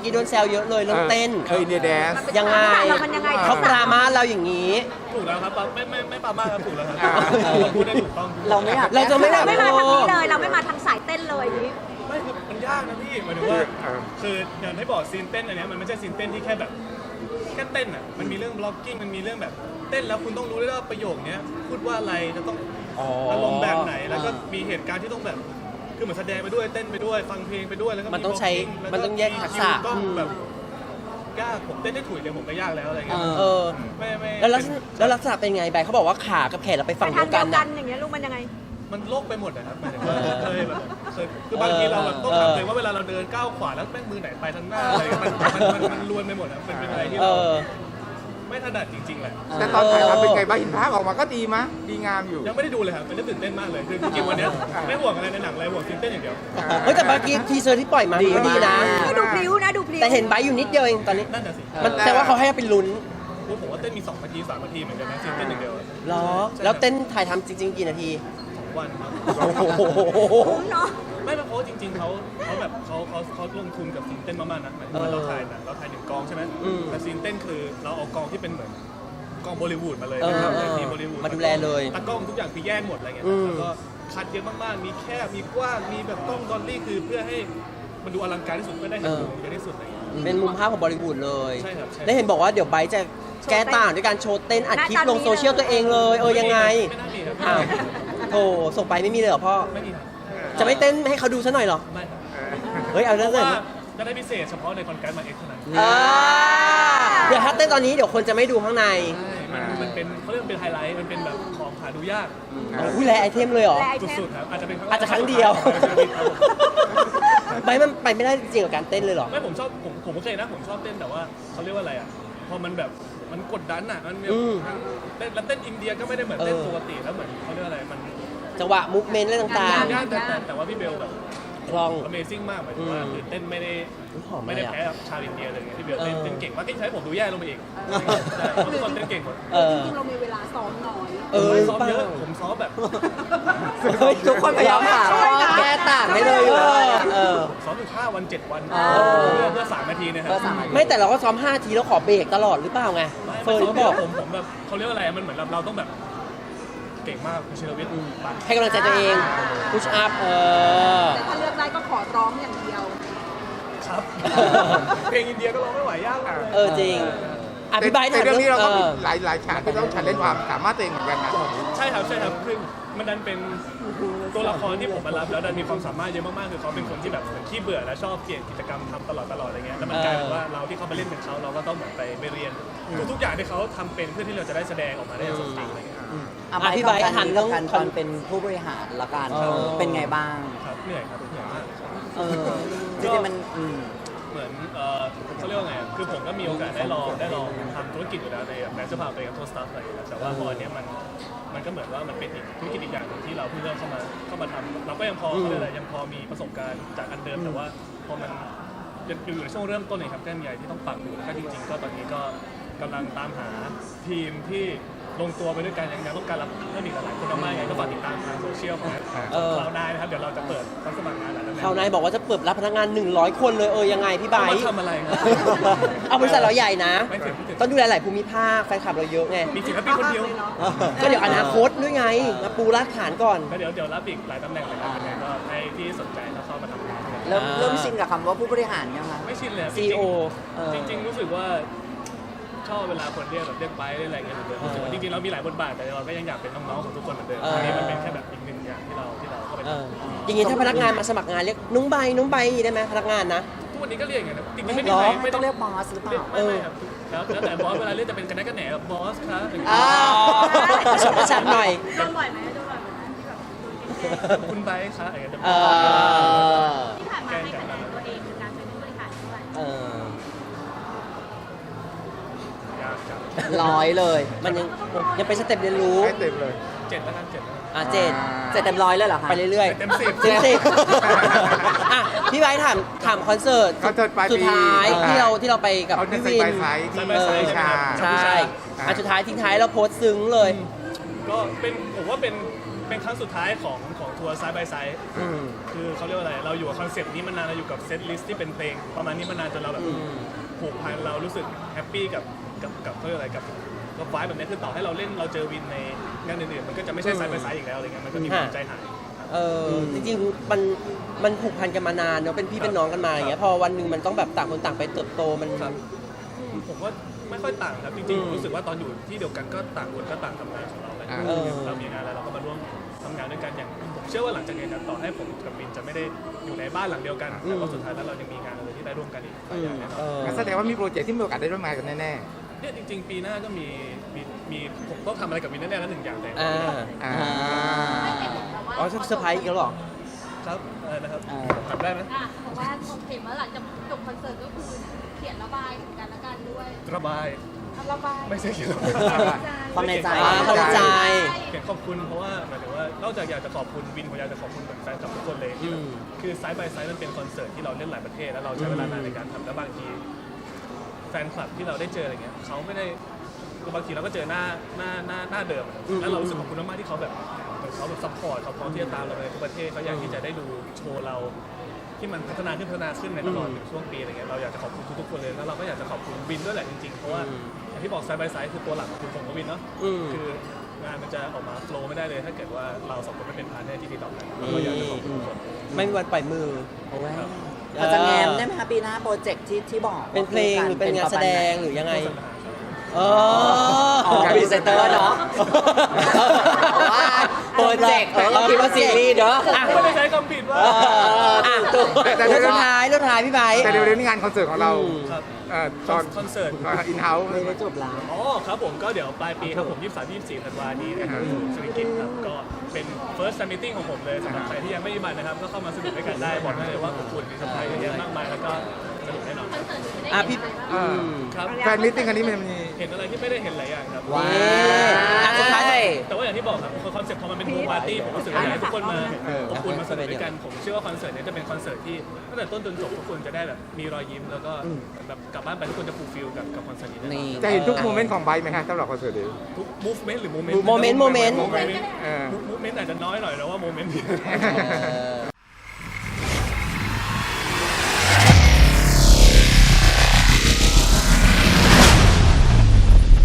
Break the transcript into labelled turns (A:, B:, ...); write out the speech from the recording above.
A: กี้โดนแซวเยอะเลยเรื่องเต้น
B: อินเดียแดนซ์
A: ยังไง
C: มันยังไง
A: เขาปรามาสเราอย่างนี้
D: ถูกแล้วครับไม่ปามาครับถูกแล้วครับพูดได้ถูกต้อง
E: เราไม่อยาก
A: เราจะไม่ได้
C: ไม่มาทางนี้เลย เราไม่มาทางสายเต้นเลยอย่างนี้
D: ไม่คือมันยากนะพี่หมายถึงว่าคืออย่างที่บอกซีนเต้นอันเนี้ยมันไม่ใช่ซีนเต้นที่แค่แบบแค่เต้นอ่ะมันมีเรื่องบล็อกกิ้งมันมีเรื่องแบบเต้นแล้วคุณต้องรู้ด้วยว่าประโยคเนี้ยพูดว่าอะไรจะต้องอารมณ์แบบไหนแล้วก็มีเหตุการณ์ที่ต้องแบบคือเหมือนแสดงไปด้วยเต้นไปด้วยฟังเพลงไปด้วยแล้วก็
A: มันต้องใช้
D: blocking แล้ว
A: มันต้องแยกทักษะ
D: ก็แบบยากผมเต้นได้ถุยเดียวผมก็ยากแล้วอะไรเงี้ย
A: เออ
D: ไม่
A: แล้วลักษณะเป็นไงใบเขาบอกว่าขากับแขนเราไปฝั่ง
C: ทา
A: เดี
C: ง
A: ยว
C: เดี
A: กั
C: ย
A: น
C: วกั
A: นะ
C: นอย่างเงี้ยลูกมันยังไง
D: มันโลกไปหมดนะครับหมายถึงว่าเคยคือบางทีเราแบบต้องถามตัวเองว่าเวลาเราเดินก้าวขวาแล้วแม่งมือไหนไปทางหน้าอะไรมันลวนไปหมดอ่ะมันเป็นอะไรที่
A: เอ
D: เรา
A: อ
D: ไม่ถนัดจริงๆแหละ
B: แต่ตอนถ่ายทำเป็นไงบ้างเห็นภาพออกมาก็ดีมะดีงามอยู่
D: ยังไม่ได้ดูเลยครับเป็นเรื่องตื่นเต้นมากเลยคือจริงๆวันเนี้ยไม่ห่วงอะไรในหนังเลยห่วงซีนเต้นอย่างเดียว
A: เฮ้ยแต่เมื่อกี้ทีเซอร์ที่ปล่อยมาก็ดีนะ
C: ก็ดูพลิ้วนะดูพลิ้ว
A: แต่เห็นใบอยู่นิดเดียวเองตอนนี้
D: นั่นน่ะสิ
A: มันแต่ว่าเขาให้เป็นลุ้น
D: ผมว่าเต้นมี2 นาที 3 นาทีเหมือนกันนะซีนเต้นอย่างเดียว
A: เหรอ แล้วเต้นถ่ายทำจริง ๆ กี่นาที
D: 2 วันครับ
A: โอ้โห
C: คุ้มเนาะ
D: ไม่เพราะจริงๆเขาแบบเขาลงทุนกับซีนเต้นมากๆนะหมายถึงว่าเราถ่ายหนังเราถ่าย1 กองใช่ไหมแต่ซีนเต้นคือเราเอากองที่เป็นเหมือนกองบอลิวูดมาเลยนะครับทีมบอลิวูด
A: มาดูแลเลย
D: ตากล้องทุกอย่างคือแยกหมดอะไรเงี้ยแล้วก็คัดเยอะมากๆมีแคบมีกว้างมีแบบกล้องดอลลี่คือเพื่อให้มันดูอลังการที่สุดเพื่อได้เห็นมุมเยอะที่สุดอะไรเงี้ย
A: เป็นมุมภาพของบอลิวูดเลย
D: ใช่ครับใช่
A: ได้เห็นบอกว่าเดี๋ยวไบร์ทจะแก้ต่างด้วยการโชว์เต้นอัดคลิปลงโซเชียลตัวเองเลย ยังไง
D: ไม่น่ามีครับ
A: อ้าวโธ่ส่งไปไม่มีเลยเหรอพ่อ
D: ไม่มีครับ
A: จะไม่เต้นให้เขาดูซะหน่อยเหรอ
D: ไม่ครับ
A: เฮ้ย เอา
D: เพ
A: เรื่อง
D: ราะ
A: เลย
D: ว่าจะได้พิเศษเฉพาะในคอนแกรสมาเอ็กซ์เท่านั้น
A: เดี๋ยวถ้าเต้นตอนนี้เดี๋ยวคนจะไม่ดูข้างใน
D: ใช่มันเป็นเขาเรียกว่าเป็นไฮไลท์ มันเป็นแบบของหาดูยาก
A: อุ้ยแลไอเทมเลยเหรอ
C: แลไอเทม
D: สุดๆครับ อาจจะเป็น
A: อาจจะครั้งเดียว ไบร์ทมันไปไม่ได้จริงๆกับการเต้นเลยเหรอ
D: ไม่ผมชอบผมโอเคนะ ผมชอบเต้นแต่ว่าเขาเรียกว่าอะไรอ่ะ พอมันแบบมันกดดันอ่ะ มันแบบ
A: อืม
D: เต้นแล้วเต้นอินเดียก็ไม่ได้เหมือนเต้นปกติแล้วเหมือนเขาเรียกว่าอะไร มัน
A: จังหวะมูฟเมนต์อะไรต่าง
D: ยากแต่ว่าพี่เบลแบบ
A: ๆคล่อง
D: Amazing มากหมายถึงว่าคือเต้นไม่ได้
A: หอม
D: ไม่
A: เล
D: ได้
A: ยอะ
D: แพ้ชาวอินเดียเลยไงพี่เบลเต้น
A: เออ
D: เต้นเก่งมากที่ใช้ผมดูแย่ลงไปอีกใช่เพราะทุกคนเต้นเก่งหมด
A: เออ
C: จริงๆเรามีเวลาซ้อมน้อย
D: ไม่ซ้อม
A: เปล่า
D: เยอะผมซ้อมแบบ
A: เฮ้ยทุกคนพยายามหาแก้ต่างให้เลยเออ
D: ซ้อมอยู่5 วัน 7 วัน
A: อ๋อ
D: เพื่อ3 นาทีนะครับ
A: ไม่แต่เราก็ซ้อม5ทีแล้วขอเบรกตลอดหรือเปล่าไง
D: ไม่
A: เฟิร์น
D: ซ้อม
A: ก็บอก
D: ผมแบบเขาเรียกว่าอะไรมันเหมือนเราต้องแบบเก่งมากคุณชิรวิทย์ปัง
A: ให้กำลังใจตัวเองพุชอัพ
C: แต่ถ้าเลือกได้ก็ขอร้องอย่างเดียว
D: ครับ เพลงอินเดียก็ร้องไม่ไหวยากมากเลย
A: จริงอธิบาย
B: แต่เรื่องนี้เราก็มี
A: ออ
B: หลายฉากที่ต้องชันเล่นความสามารถตัวเองเหมือนกันนะ
D: ใช่ครับคือมันดันเป็นตัวละครที่ผมมารับแล้วดันมีความสามารถเยอะมากๆคือเขาเป็นคนที่แบบเหมือนขี้เบื่อและชอบเปลี่ยนกิจกรรมทำตลอดอะไรเงี้ยแล้วมันกลายเป็นว่าเราที่เขาไปเล่นเป็นเขาเราก็ต้องเหมือนไปเรียนทุกๆอย่างที่เขาทำเป็นเพื่อที่เราจะได้แสดงออกมาได้อย่างสมจริงอะไรเงี้ย
A: อธิบายหันเรื่อง
E: การตอนเป็นผู้บริหารละกัน เป็นไงบ้าง
D: ครับเหนื่อยครับเหนื่อยมาก
E: จริงๆมัน
D: เหมือนเขาเรียกว่าไงคือผมก็มีโอกาสได้ลองทำธุรกิจอยู่แล้วในแบรนด์เสื้อผ้าตัวเองกับโทสตัฟอะไรอย่างเงี้ยแต่ว่าพออันเนี้ยมันก็เหมือนว่ามันเป็นอีกธุรกิจอีกอย่างหนึงที่เราเพิ่งเริ่มเข้ามาทำเราก็ยังพอเขาเรียกอะไรยังพอมีประสบการณ์จากอันเดิมแต่ว่าพอมันอยู่ในช่วงเริ่มต้นเลยครับแก้มใหญ่ที่ต้องปรับอยู่แล้วก็จริงๆก็ตอนนี้ก็กำลังตามหาทีมที่ลงตัวไปด้วยกันยังต้องการรับเพิ่มอีกหลายคนมากๆไงก็ฝากติดตามทางโซเชียลของเราได้นะครับเดี๋ยวเราจะเปิดรับสมัครงานหลายตำแหน่ง
A: เขาวนายบอกว่าจะเปิดรับพนักงาน100 คนเลยยังไงพี่ไบ
D: เอา
A: ร์
D: มา
A: ท
D: ทำอะไรครับ
A: เอาบริษัทเราใหญ่นะ
D: ไม่ถึง
A: ต้องดูแลหลายภูมิภาคแฟนคลับเราเยอะไง
D: มีศิลปินคนเดียว
A: ก็เดี๋ยวอนาคตด้วยไงมาปูรากฐานก่อน
D: ก็เดี๋ยวรับอีกหลายตำแหน่งเลยครับยังไงก็ให้ที่สนใจแล้วเข้ามาทำงานกัน
E: เริ่มชินกับคำว่าผู้บริหารยังคะ
D: ไม่ชินเลย
A: CEO
D: จริงๆรู้สึกว่าชอบเวลาคนเรียกแบบเรียกไปเรียกอะไรเงี้ยเหมือนเดิมรู้สึกว่าจริงๆเรามีหลายบทบาทแต่เราก็ยังอยากเป็นน้องๆของทุกคนเหมือนเดิมอันนี้มันเป็นแค่แบบอีกหนึ่งอย่างที่เราเข้าไปทำ
A: อย่างงี้ถ้าพนักงานมาสมัครงานเรียกนุ้งใบได้ไหมพนักงานนะ
D: ทุกวันนี้ก็เรียกอย่างนั้นนะจริงๆ
A: ไม่
D: ไม่มี
A: หรอ
D: ใคร
E: ไม่ต้องเรียกบอสหรือเปล่า
D: ไม่ครับแล้วแต่บอสเวลาเรียกจะเป็นกันแน่กันแหนแบบบอสครับ
A: ชอบประชันหน่อย
C: โดนบ่อยไหมที่แบบ
D: คุณไบค์ครับอะไรอย่างเงี้ย
C: ที่ผ่านมาให้คะแนนตัวเองคือการเป็นผู้บริหารด้วย
D: ยากจัง
E: 100 เลย
A: มันยังเป็นสเต็ปเรียนรู้
B: ให้เต็มเลย
D: 7แล้วกัน7แล้วกัน
A: เจ็ด
E: เสร็จเต็มร้อยเลยเหรอคะ
A: ไปเรื่อยๆ
D: เต็ม10
A: เต็มสิบอ่ะพี่ไบร์ทถามคอนเสิร์ต
B: คอนเสิร์ตปลายปี
A: สุดท้ายที่เราไปกับ
B: เอาเดิน
A: พี่
B: ไป
A: วิน
B: ไซส์ที่
D: ไปไซส์
B: ชา
A: ใช่สุดท้ายทิ้งท้ายเราโพสต์ซึ้งเลย
D: ก็เป็นผมว่าเป็นเป็นครั้งสุดท้ายของทัวร์ไซด์บายไซด์
A: อืม
D: คือเขาเรียกว่าอะไรเราอยู่กับคอนเซปต์นี้มานานเราอยู่กับเซตลิสต์ที่เป็นเพลงประมาณนี้มานานจนเราแบบผูกพันเรารู้สึกแฮปปี้กับเขาเรียกอะไรกับไฟล์แบบนี้คือต่อให้เราเล่นเราเจอวินในงานอื่นๆมันก็จะไม่ใช่ไซด์บายไซด์อีกแล้วอะไรเงี้ยมันก็มีความใจหาย
A: จริงๆมันผูกพันกันมานานเนาะเป็นพี่เป็นน้องกันมาอย่างเงี้ยพอวันหนึ่งมันต้องแบบต่างคนต่างไปเติบโตมัน
D: ครับ ผมว่าไม่ค่อยต่างครับจริงๆผมรู้สึกว่าตอนอยู่ที่เดียวกันก็ต่างคนก็ต่างทำงานของเราแหละ เรามีงานอะไรเราก็มาร่วมทำงานด้วยกันอย่างผมเชื่อว่าหลังจากนี้ต่อให้ผมกับวินจะไม่ได้อยู่ในบ้านหลังเดียวกันแต่ว่าสุดท้ายแล้วเรายังมีงานอะไรที่ได้ร่วมกันอีกหลายอย่างแน่นอน
B: งั้นแสดงว่ามีโปรเจกต์ที่มีโอกาสได้ร่วมงานกันแน่
D: เนี่ยจริงๆ ปีหน้าก็มีผมต้องทำอะไรกับวินแน่ๆแล้วหนึ่งอย่างแต่
B: ๆอ่า
A: อ๋อเซอร์ไพรส์อีกแล้วเหรอ
D: ครับอะไรนะครับ
E: อ่า
D: ทำได้ไหม
C: เพราะว่าผมเห็นว่าหลังจากจบคอนเสิร์ตก็คือเขียนระบายถึงกันและกันด้วย
D: ระบาย
C: ระบาย
D: ไม่ใช่เขียนระบาย
E: ความในใจ
A: เข้าใจ
D: เขียนขอบคุณเพราะว่าหมายถึงว่านอกจากอยากจะขอบคุณวินผมอยากจะขอบคุณแฟนคลับทุกคนเลยที่แบบคือไซด์บายไซด์มันเป็นคอนเสิร์ตที่เราเล่นหลายประเทศแล้วเราใช้เวลานานในการทำแล้วบางทีแฟนคลับที่เราได้เจออะไรเงี้ยเขาไม่ได้บางทีเราก็เจอหน้าเดิมแล้วเรารู้สึกขอบคุณมากๆที่เขาแบบเขาแบบซัพพอร์ตเขาพร้อมที่จะตามเราไปทุกประเทศเขาอยากที่จะได้ดูโชว์เราที่มันพัฒนาขึ้นในตลอดช่วงปีอะไรเงี้ยเราอยากจะขอบคุณทุกๆคนเลยแล้วเราก็อยากจะขอบคุณวินด้วยแหละจริงๆเพราะว่าอย่างที่บอกไซด์บายไซด์คือตัวหลักคือผมกับวินเนาะคืองานมันจะออกมาโฟล์ไม่ได้เลยถ้าเกิดว่าเราสองคนไม่เป็นพาร์ทเนอร์ที่ดีต่อกันเราก็อยากจะขอบคุณทุกคน
A: ไม่มีวันปล่อยมือ
E: เราจะแง้มได้ไหมคะปีหน้าโปรเจกต์ที่บอก
A: เป็นเพลงหรือเป็นงานแสดงหรือยังไง
E: อ๋อพรีเซนเตอร์เนาะว่าโปรเจกต์เราคิดว่าซีรีส์เนาะ
D: ไม่ได้ใช้คำผิดว่า
E: ถูก
B: แต่
A: เรื่องท้ายพี่ไบร์ท
B: แต่เร็วๆนี้งานคอนเสิร์ตของเรา
D: ครับ
B: ตอน
D: คอนเสิร์ต
B: อินเฮ้าส์
E: ไม่ได้จบแล้ว
D: อ๋อครับผมก็เดี๋ยวปลายปีครับผม 23-24 ธันวาคมนี้นะครับสุริกิตครับก็เป็น first fan meeting ของผมเลยสำหรับใครที่ยังไม่มีบัตรนะครับก็เข้ามาสนุกด้วยกันได้บอกได้เลยว่าอบอุ่นมีเซอร์ไพรส์เยอะแยะมากมายแล้วก็สนุกแน่นอน
C: คอนเสิร์ตจะได้
A: อ่ะ
C: เห็
A: พี่
C: นอะไรบ้าง
D: ครับ
B: แฟนมิทติ้งอันนี้มันมี
D: เห็นอะไรที่ไม่ได้เห็นหลายอย่างครับ
E: ว้า
A: สุดท้าย
D: แต่ว่าอย่างที่บอกครับคอนเซ็ปต์พอมันเป็นโฮมปาร์ตี้ผมรู้สึกว่าอยากให้ทุกคนมาอบอุ่นมาสนุกด้วยกันผมเชื่อว่าคอนเสิร์ตนี้จะเป็นคอนเสิร์ตที่ตั้งแต่ต้นจนจบทุกคนจะได้แบบมีรอยยิ้มแล้วก็แบบกลับบ้านไปทุกคนจะฟูลฟิลกับคอนเสิร์ตนี้แน่นอน
E: นี่
B: จะเห็นทุกโมเมนต์ของไบค์ไหมฮะสำหรับคอนเสิร์ตนี้
D: ทุก movement หรือ moment
A: โมเมนต์
B: โมเมนต์
D: movement อาจจะน้อยหน่อยนะว่าโมเมนต์นี้